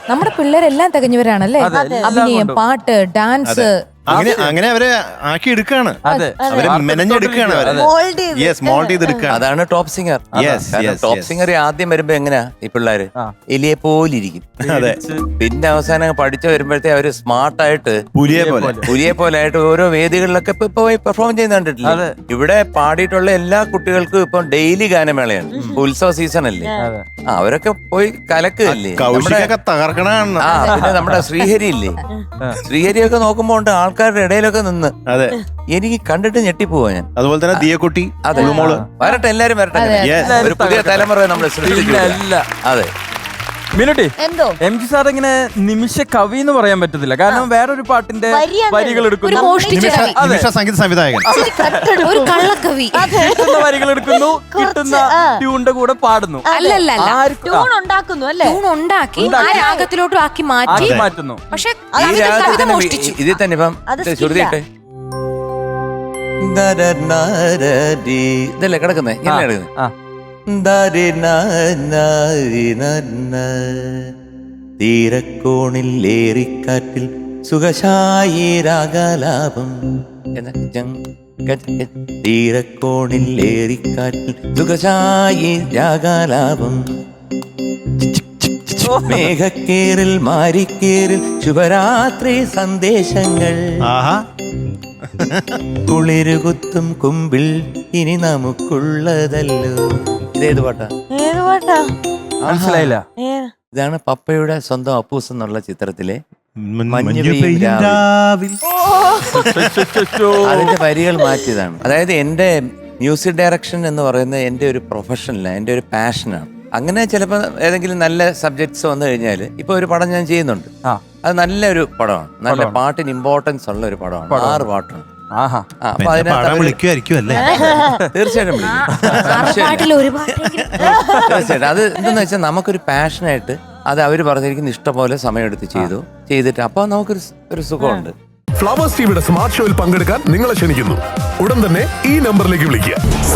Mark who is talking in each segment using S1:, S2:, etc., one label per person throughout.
S1: നമ്മുടെ പിള്ളേരെല്ലാം തികഞ്ഞവരാണല്ലേ. അഭിനയം, പാട്ട്, ഡാൻസ്,
S2: അങ്ങനെ അവരെ ആക്കി എടുക്കാണ്, അവരെ മെനഞ്ഞെടുക്കാണ്, മോൾഡ് ചെയ്തെടുക്കാണ്.
S3: അതാണ് ടോപ്പ് സിംഗർ. ടോപ്പ് സിംഗർ ആദ്യം വരുമ്പോ എങ്ങനെയാ ഈ പിള്ളേര് എലിയെ പോലിരിക്കും. പിന്നെ അവസാനം പഠിച്ചു വരുമ്പോഴത്തേ അവര് സ്മാർട്ടായിട്ട് പുലിയെ പോലെ ആയിട്ട് ഓരോ വേദികളിലൊക്കെ ഇപ്പൊ പോയി പെർഫോം ചെയ്യുന്ന കണ്ടിട്ടില്ല. ഇവിടെ പാടിയിട്ടുള്ള എല്ലാ കുട്ടികൾക്കും ഇപ്പൊ ഡെയിലി ഗാനമേളയാണ്, ഉത്സവ സീസൺ അല്ലേ. അവരൊക്കെ പോയി കലക്കല്ലേ.
S2: തകർക്കണ.
S3: പിന്നെ നമ്മുടെ ശ്രീഹരി ഇല്ലേ, ശ്രീഹരിയൊക്കെ നോക്കുമ്പോ ഉണ്ട് ആൾക്കാരുടെ ഇടയിലൊക്കെ നിന്ന് എനിക്ക് കണ്ടിട്ട് ഞെട്ടിപ്പോവാ ഞാൻ.
S2: അതുപോലെ തന്നെ ദിയക്കുട്ടി,
S3: വരട്ടെ, എല്ലാരും വരട്ടെ. ഒരു പുതിയ തലമുറ നമ്മൾ സൃഷ്ടിച്ചില്ല. അതെ
S4: മിനുട്ടി, എം.ജി സാർ ഇങ്ങനെ നിമിഷ കവി എന്ന് പറയാൻ പറ്റത്തില്ല, കാരണം വേറൊരു പാട്ടിന്റെ വരികൾ എടുക്കുന്നു,
S2: സംഗീത സംവിധായകൻ,
S1: ഒരു കള്ളക്കവി,
S4: കിട്ടുന്ന വരികൾ എടുക്കുന്നു, കിട്ടുന്ന ട്യൂണിന്റെ കൂടെ പാടുന്നു,
S1: ട്യൂൺ ഉണ്ടാക്കി ആ രാഗത്തിലോട്ടും ആക്കി മാറ്റുന്നു. പക്ഷെ
S3: ഇതിൽ തന്നെ ഇപ്പം ശ്രുതിയിട്ടെ ഇതല്ലേ കിടക്കുന്നേ, ഇങ്ങനെ കിടക്കുന്നത്. തീരക്കോണിൽ ഏറിക്കാറ്റിൽ സുഖശായി രാഗലാപം, തീരക്കോണിൽ ഏറിക്കാറ്റിൽ സുഖശായി രാഗലാപം, മേഘക്കേറിൽ മാരിക്കേറിൽ ശുഭരാത്രി സന്ദേശങ്ങൾ, കുളിരുകുത്തും കുമ്പിൽ ഇനി നമുക്കുള്ളതല്ലോ. ഇതേത് പാട്ടാ?
S4: മനസ്സിലായില്ല.
S3: ഇതാണ് പപ്പയുടെ സ്വന്തം അപ്പൂസ് എന്നുള്ള ചിത്രത്തിലെ അതിന്റെ വരികൾ മാറ്റിയതാണ്. അതായത് എന്റെ മ്യൂസിക് ഡയറക്ഷൻ എന്ന് പറയുന്നത് എന്റെ ഒരു പ്രൊഫഷനല്ല, എന്റെ ഒരു പാഷനാണ്. അങ്ങനെ ചിലപ്പോൾ ഏതെങ്കിലും നല്ല സബ്ജക്ട്സ് വന്നു കഴിഞ്ഞാൽ ഇപ്പൊ ഒരു പടം ഞാൻ ചെയ്യുന്നുണ്ട്, അത് നല്ലൊരു പടമാണ്, നല്ല പാട്ടിന് ഇമ്പോർട്ടൻസ് ഉള്ള ഒരു പടമാണ്, 6 പാട്ടാണ്. അപ്പൊ തീർച്ചയായിട്ടും തീർച്ചയായിട്ടും അത് എന്തെന്ന് വെച്ചാൽ നമുക്കൊരു പാഷനായിട്ട് അത് അവര് പറഞ്ഞിരിക്കുന്ന ഇഷ്ടംപോലെ സമയമെടുത്ത് ചെയ്തിട്ട് അപ്പൊ നമുക്കൊരു സുഖമുണ്ട്.
S5: ഫ്ലവേഴ്സ് ടിവിയുടെ സ്മാർട്ട് ഷോയിൽ പങ്കെടുക്കാൻ നിങ്ങളെ ക്ഷണിക്കുന്നു. ഉടൻ തന്നെ ഈ നമ്പറിലേക്ക് വിളിക്കുക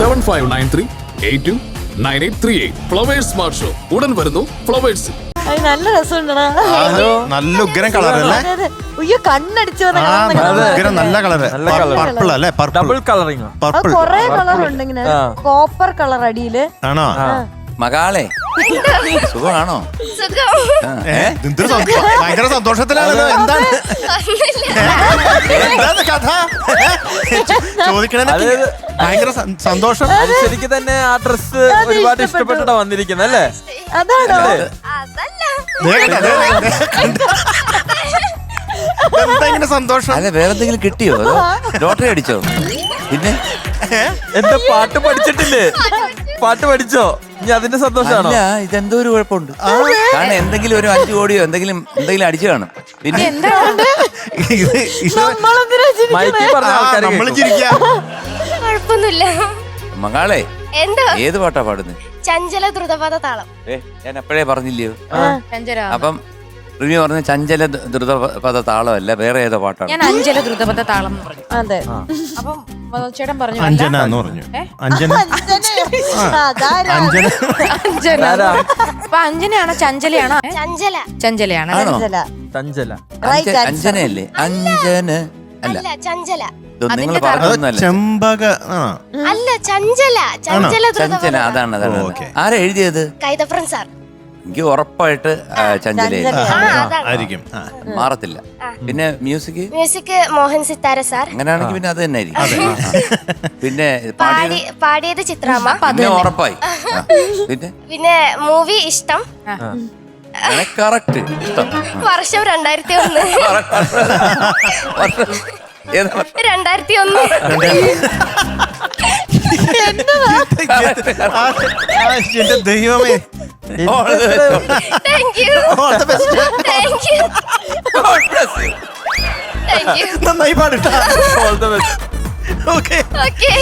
S5: 7593829838. ഫ്ലവേഴ്സ് സ്മാർട്ട് ഷോ ഉടൻ വരുന്നു ഫ്ലവേഴ്സ്.
S6: നല്ല രസമുണ്ടോ?
S2: നല്ല ഉഗ്രം കളറല്ലേ,
S6: കണ്ണടിച്ചു
S2: നല്ല കളറ്, പർപ്പിൾ അല്ലേ,
S4: ഡബിൾ കളറിങ്,
S6: കൊറേ കളർ ഉണ്ട്. ഇങ്ങനെ കോപ്പർ കളർ അടിയില്
S3: ആണോ? മകളെ സുഖമാണോ?
S2: ഭയങ്കര സന്തോഷത്തിലാണല്ലോ. എന്താണ് കഥ ചോദിക്കണേ? ഭയങ്കര സന്തോഷം.
S4: ശരിക്കും തന്നെ ആ ഡ്രസ് ഒരുപാട് ഇഷ്ടപ്പെട്ടിട്ടാ വന്നിരിക്കുന്നത് അല്ലേ?
S6: അതാണോ?
S2: എന്താ സന്തോഷം?
S3: അല്ല വേറെ എന്തെങ്കിലും കിട്ടിയോ? ലോട്ടറി അടിച്ചോ? പിന്നെ
S4: എന്താ പാട്ട് പഠിച്ചിട്ടില്ലേ? പാട്ട് പഠിച്ചോ? ഇനി അതിന്റെ സന്തോഷമാണോ?
S3: ഇതെന്തോ ഒരു കുഴപ്പമുണ്ട്. കാരണം എന്തെങ്കിലും ഒരു 5 കോടിയോ എന്തെങ്കിലും അടിച്ചു കാണും. പിന്നെ മകളെ ഏത് പാട്ടാ പാടുന്നത്?
S7: ചഞ്ചല ദ്രുതപദ താളം.
S3: ഞാൻ എപ്പോഴേ പറഞ്ഞില്ലയോ? അപ്പം റിമി പറഞ്ഞ ചഞ്ചല ദ്രുതപദ താളമല്ല, വേറെ ഏതോ പാട്ടാണ്.
S1: ഞാൻ അഞ്ചല ദ്രുതപദ താളം എന്ന് പറഞ്ഞു.
S6: അതെ.
S1: അപ്പം ചേട്ടൻ പറഞ്ഞു
S2: അഞ്ജന എന്ന് പറഞ്ഞു. അഞ്ജന.
S1: അപ്പൊ അഞ്ജനയാണോ ചഞ്ചലയാണോ? ചഞ്ചലയാണ്.
S3: അഞ്ജനയല്ലേ? അഞ്ജന അല്ല,
S7: ചഞ്ചല.
S3: നിങ്ങൾ പറഞ്ഞൊന്നല്ല.
S2: ചെമ്പക
S7: അല്ല, ചഞ്ചല.
S3: ചഞ്ചല അതാണ്. ആരാ എഴുതിയത്?
S7: കൈതപ്രൻ സാർ.
S3: എനിക്ക് ഉറപ്പായിട്ട്
S2: ചഞ്ചലയായിരിക്കും,
S3: മാറത്തില്ല. പിന്നെ മ്യൂസിക്
S7: മോഹൻ സിത്താര സാർ.
S3: അങ്ങനെയാണെങ്കിൽ പിന്നെ അത് തന്നെ ആയിരിക്കും. പിന്നെ
S7: പാടിയത് ചിത്രാമ്മ.
S3: പിന്നെ ഉറപ്പായി.
S7: പിന്നെ മൂവി ഇഷ്ടം.
S3: കറക്റ്റ്. ഇഷ്ടം.
S7: വർഷം 2001. 2001.
S2: എന്റെ ദൈവമേ.
S7: Thank you.
S2: All the best.
S7: Thank you.
S3: God bless you.
S7: Thank you.
S2: നന്നായി പാടിട്ടാ.
S4: All the best.
S2: Okay.
S7: Okay.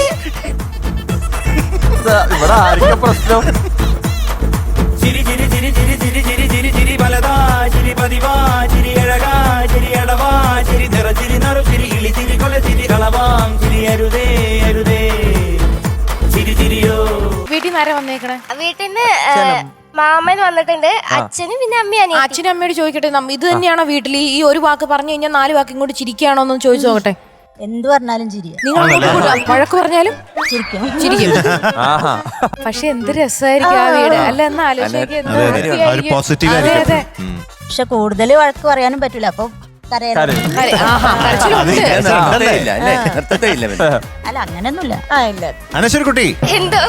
S4: ഇവിടെ ആർക്കാ പ്രശ്നം?
S8: ചിരി ചിരി ചിരി ചിരി ചിരി ചിരി ചിരി ചിരി ബലദാ ചിരി പതിവാ ചിരി അഴകാ ചിരി അടവാ ചിരി നിറ ചിരി നറു ചിരി ഇളി ചിരി കൊല ചിരി കളവാം ചിരി അരുതേ അരുതേ ചിരി ചിരിയോ.
S1: വീട്ടിൽ നിന്ന് ആരാ വന്നേക്കണേ?
S7: വീട്ടിന്ന് മാമൻ വന്നിട്ടുണ്ട് അച്ഛനും പിന്നെ അമ്മയും
S1: അച്ഛനും അമ്മയോട് ചോദിക്കട്ടെ, ഇത് തന്നെയാണോ വീട്ടിൽ ഈ ഒരു വാക്ക് പറഞ്ഞു കഴിഞ്ഞാൽ 4 വാക്ക് ഇങ്ങോട്ട് ചിരിക്കുകയാണോ എന്ന് ചോദിച്ചു നോക്കട്ടെ.
S6: എന്ത് പറഞ്ഞാലും ചിരിയ.
S1: നിങ്ങൾ വഴക്ക് പറഞ്ഞാലും ചിരിക്കും. പക്ഷെ എന്ത് രസമായിരിക്കും ആ വീട് അല്ല, എന്ന്
S2: പോസിറ്റീവ്
S1: ആലോചിക്കുക.
S6: പക്ഷെ കൂടുതൽ വഴക്ക് പറയാനും പറ്റൂല, അപ്പൊ അല്ല അങ്ങനെയൊന്നുമില്ല.
S2: അനശ്വര കുട്ടി.
S7: എന്തോ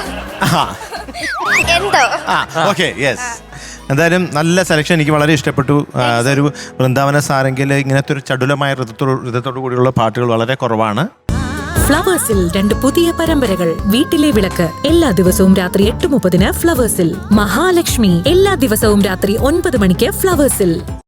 S7: എന്തോ
S2: ഓക്കെ, യെസ്. എന്തായാലും നല്ല സെലക്ഷൻ, എനിക്ക് വളരെ ഇഷ്ടപ്പെട്ടു. അതൊരു വൃന്ദാവന സാരെങ്കിൽ ഇങ്ങനത്തെ ഒരു ചടുലമായ ഋതത്തോടു കൂടിയുള്ള പാട്ടുകൾ വളരെ കുറവാണ്.
S9: ഫ്ലവേഴ്സിൽ 2 പുതിയ പരമ്പരകൾ. വീട്ടിലെ വിളക്ക് എല്ലാ ദിവസവും രാത്രി 8:30 ഫ്ലവേഴ്സിൽ. മഹാലക്ഷ്മി എല്ലാ ദിവസവും രാത്രി 9 മണിക്ക് ഫ്ലവേഴ്സിൽ.